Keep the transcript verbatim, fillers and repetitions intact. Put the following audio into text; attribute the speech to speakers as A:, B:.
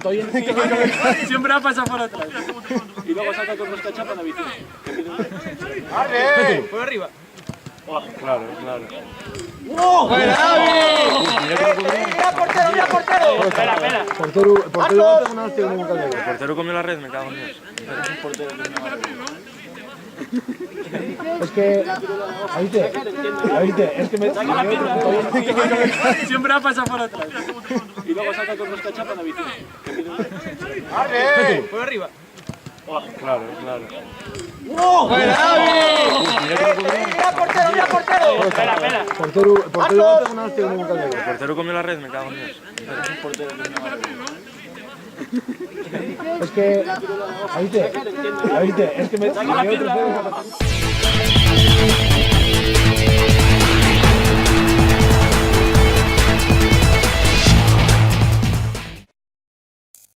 A: estoy en...
B: Siempre ha pasado por atrás. Y luego saca con los cachapas la bici.
C: ¡Arre!
B: Por arriba.
A: Claro, claro.
C: ¡Buena, ¡Mira portero, mira portero!
B: Espera, espera.
A: Portero, portero va a tener una hostia como un caldero.
D: El portero comió la red, me cago en Dios.
A: Es que... ¿Oíste? ¿Oíste? Es que me...
B: Siempre ha pasado por atrás. Y luego saca con los cachapas la bici.
C: ¡Arre!
B: Por arriba.
A: Claro, claro.
C: ¡Buena, ¡Mira portero, mira portero!
B: Espera, espera.
A: Portero, portero va a tener una hostia como un caldero.
D: El portero comió la red, me cago en Dios.
A: Es que... ¿Oíste? ¿Oíste? Es que me...